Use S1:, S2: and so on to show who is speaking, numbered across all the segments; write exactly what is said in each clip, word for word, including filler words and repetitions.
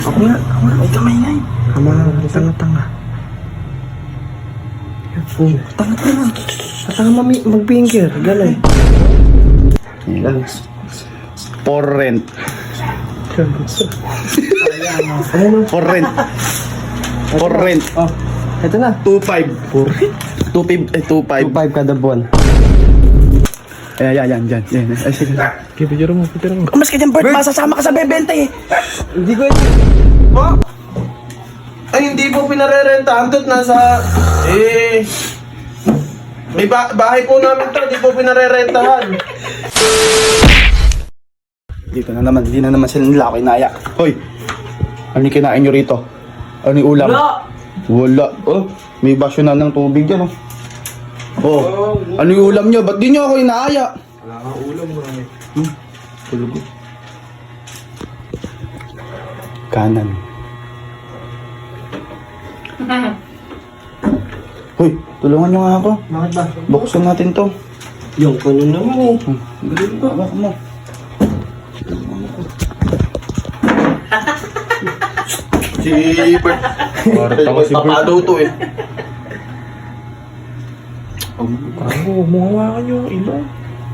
S1: Ako nga, ako nga, may kamay nga eh. Ama, tanga-tanga. Oh, tanga-tanga. Tanga mami, mag-finger, gano'n.
S2: Yan. For rent. For rent. For rent.
S1: Oh, ito na.
S2: two five. For rent? two five, eh, two five.
S1: two five kada buwan.
S2: Ayan, yan, yan, yan. yan. Ay, sige.
S1: Okay, picture mo, picture mo.
S2: Umas ka dyan, Bert. Masasama ka sa bebenta eh.
S1: Hindi ko ito.
S3: Oh? Ay, hindi po pinarerentahan do't nasa... Eh... May ba bahay po namin to, hindi po pinarerentahan.
S2: Dito na naman, hindi na naman sila nila ako inaya. Hoy, ano yung kinain nyo rito? Ano yung ulam?
S3: Wala!
S2: Wala. Oh, may basyo na ng tubig dyan oh. Oh, ano yung ulam nyo? Ba't di nyo ako inaaya?
S3: Wala kang ulam mo eh.
S2: Hmm, tulog. Kanan. Hoy, tulungan nyo nga ako.
S1: Bakit ba?
S2: Buksan natin to.
S1: Yung kuno naman eh.
S2: Hmm, galing ba? Baka mo.
S3: Si Bert. Parang si Bert. Papado to eh.
S1: Ako, muhawakan yung ilong.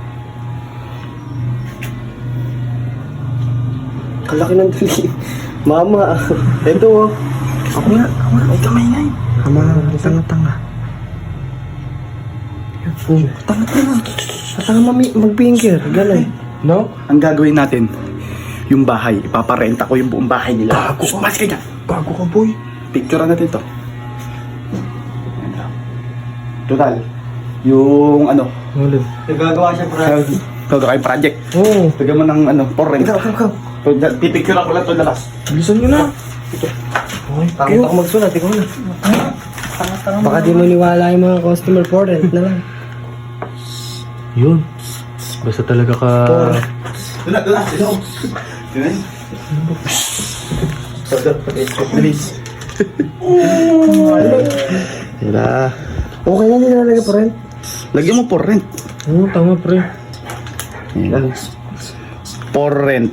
S1: Kalaki ng dali. Mama, ito oh. Ako nga, ako nga, may kamay nga eh. Ama, tanga-tanga. Oh, tanga-tanga. Tanga mami, mag-finger, gano'n. No?
S2: Ang gagawin natin, yung bahay, ipaparenta ko yung buong bahay nila.
S1: Gago ka.
S2: Mas ka dyan.
S1: Gago ka, boy.
S2: Picturean natin to. Total, yung ano,
S1: Ulit. Nagagawa siya para...
S2: gagawin project.
S1: Oo. Oh.
S2: Bigyan mo ng ano, for rent.
S1: Ikaw, ikaw, ikaw.
S2: Pipicture ako lang to lalas.
S1: Bilisan nyo na. Ito. Okay,
S3: Takot ako magsulat, ikaw na.
S1: Baka di mo niwala yung mga customer for rent na lang.
S4: Yun. Basta talaga ka...
S2: Tula, tula, tula. Tula. Bilis.
S1: Wala. Okay na din nalagay for rent.
S2: Lagyan mo for rent.
S4: Oo, tama pre.
S2: Yan. For rent.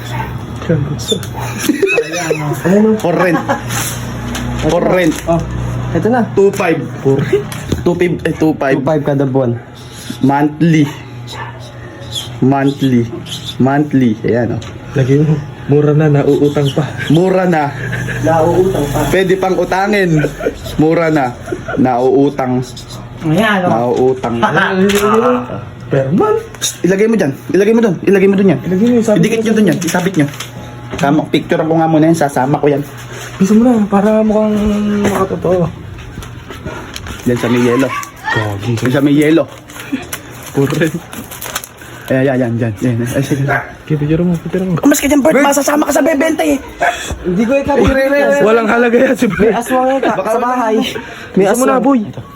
S1: Ano?
S2: For rent. For rent.
S1: Oh, ito na.
S2: two five. For rent? two five, eh, two five.
S1: two five kada buwan.
S2: Monthly. Monthly. Monthly. Ayan o.
S4: Lagi mo. Mura na, nauutang pa.
S2: Mura na.
S1: Nauutang pa.
S2: Pwede pang utangin. Mura na. Nauutang.
S1: Ayan,
S2: Nauutang.
S4: Per month.
S2: Psst, ilagay mo dyan. Ilagay mo dun. Ilagay mo dun yan.
S4: Lagi mo, sabi
S2: Idikit nyo dun yan. Isabit nyo. Kama, picture ko nga muna yan. Sasama ko yan.
S4: Bisa mo na, para mukhang makatotoo.
S2: Yan sa may yelo.
S4: Gagi.
S2: Yan sa may yelo.
S4: Pure.
S2: Ayan, yan, yan, yan. yan. Ay, sige.
S4: Okay, picture mo, picture mo.
S2: Umas ka dyan, Bert. Masasama ka sa bebenta eh.
S1: Hindi ko ikaw.
S4: Walang halaga yan si
S1: May
S4: Bert.
S1: aswang ka
S2: Baka
S1: sa
S2: wala
S1: bahay.
S4: May mo na, boy.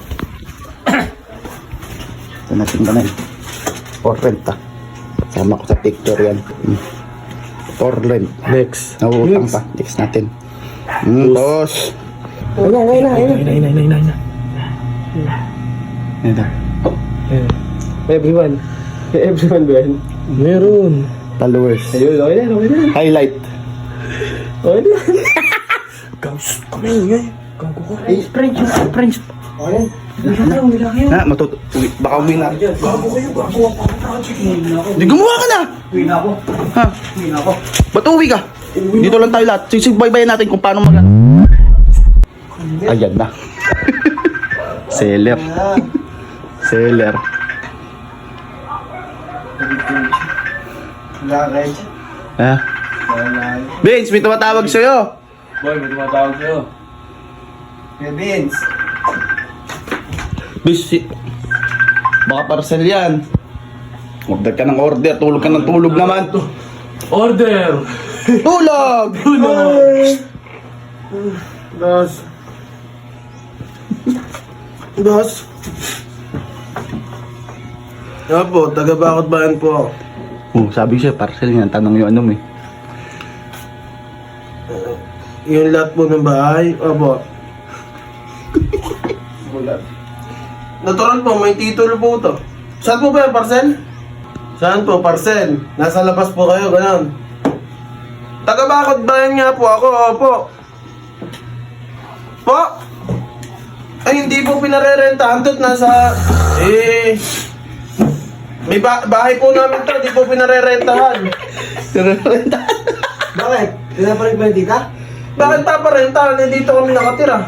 S2: Ito natin ba na yun? For rent ah. Sama ko sa picture yan. Hmm. For rent.
S4: Next.
S2: Nauutang pa. Next natin. Hmm, boss.
S1: Ayan, ayan na, ayan na.
S4: Ina, ina, ina, ina, ina.
S2: Ayan na.
S4: Eh,
S1: Everyone. Everyone ba yan?
S4: meron.
S2: Followers.
S1: Ayun, okay na, okay na.
S2: Highlight.
S1: Okay na.
S4: Guys, kami ingay. Gago ko.
S1: French, French. Okay. Wala kayo, wala kayo.
S2: Ha, matuto. Uwi. Baka uwi na.
S1: Gago kayo, gago ako ang project.
S2: Di gumawa ka na!
S1: Uwi na ako.
S2: Ha?
S1: Uwi na ako.
S2: Ba't uwi ka? Dito lang tayo lahat. Sisigbaybayan natin kung paano mag... Ayan na. Seller. Seller.
S1: Wala kayo.
S2: Ha? Vince, may tumatawag sa'yo.
S3: Boy, may tumatawag sa'yo.
S1: Kuya Vince.
S2: Vince, si... Baka parcel yan. Order ka ng order. Tulog ka ng tulog naman.
S4: Order!
S2: Tulog!
S3: Dos. Dos. Ano po, taga-bakot bayan po ako.
S2: Oh, sabi siya, parcel yan. Tanong yung ano mo eh.
S3: Yung lahat po ng bahay, opo. Natural po, may titulo po to. Saan po ba yung parcel? Saan po, parcel? Nasa labas po kayo, gano'n. Taga-Bakod Bayan nga po ako, opo. Po? Ay, hindi po pinarerentahan to't nasa, eh, may ba- bahay po namin to, hindi po pinarerentahan.
S1: Bakit? Pinapalit ba yung tita?
S3: Bakit paparentahan? Eh, dito kami nakatira.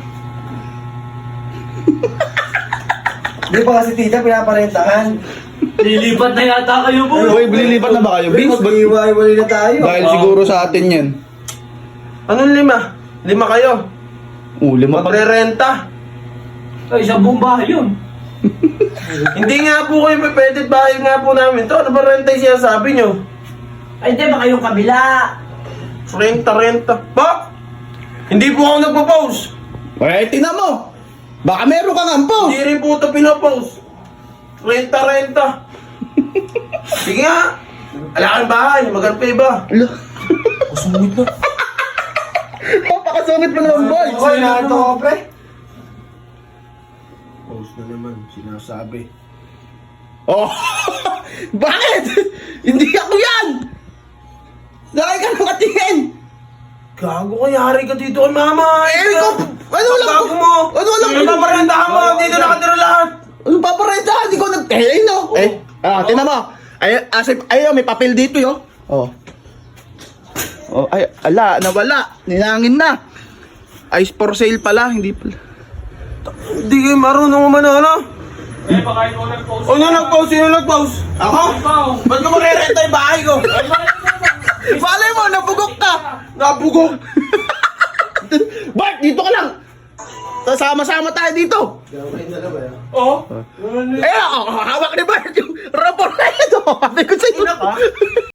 S1: Di ba kasi tita pinaparentahan?
S4: Lilipat na yata kayo po.
S2: Uy, bililipat na ba kayo, Vince? Ba't-
S1: Mag-iwa-iwalay na tayo.
S2: Dahil siguro sa atin yan.
S3: Anong lima? Lima kayo?
S2: Oh, lima pa.
S3: Magrerenta.
S4: Ay, isang buong bahay yun.
S3: Hindi nga po kayo pwede bahay nga po namin to. Ano ba renta yung sinasabi nyo?
S4: Ay, di ba kayong kabila?
S3: Renta, renta. Ba? Hindi po ako nagpo-post.
S2: Eh, tingnan mo. Baka meron kang ampos.
S3: Hindi rin po ito pinopost. Renta, renta. Sige nga. Ala kang bahay. Maganda pa iba.
S2: Ala.
S4: Kasungit na.
S2: Napakasungit mo naman, boy.
S1: Okay, nato ko, pre.
S3: Post na naman. Sinasabi.
S2: Oh, bakit? Hindi ako yan. Laki ka ng katingin.
S3: Gago ka, yari ka dito kay mama.
S2: Eh, ikaw, ano lang
S3: Gago mo.
S2: Ano lang
S3: Ano paparentahan mo? Dito nakatira lahat.
S2: Ano paparenta? Hindi ko nag... Eh, ay, no. Eh, ah, tingnan mo. Ay, asip, ay, may papel dito, yo. Oh. Oh, ay, ala, nawala. Ninangin na. Ice for sale pala, hindi pala.
S3: Hindi kayo marunong umano.
S4: Eh, baka ikaw nag-post.
S3: Ano nag-post? Sino nag-post? Ako? Ba't ka marirenta yung bahay ko?
S2: Malay mo, nabugok ka.
S3: Nabugok.
S2: Bart, dito ka lang. Sama-sama tayo dito.
S4: Oo.
S2: Eh, oh, hawak ni Bart yung rapor na ito. Sabi ko sa'yo.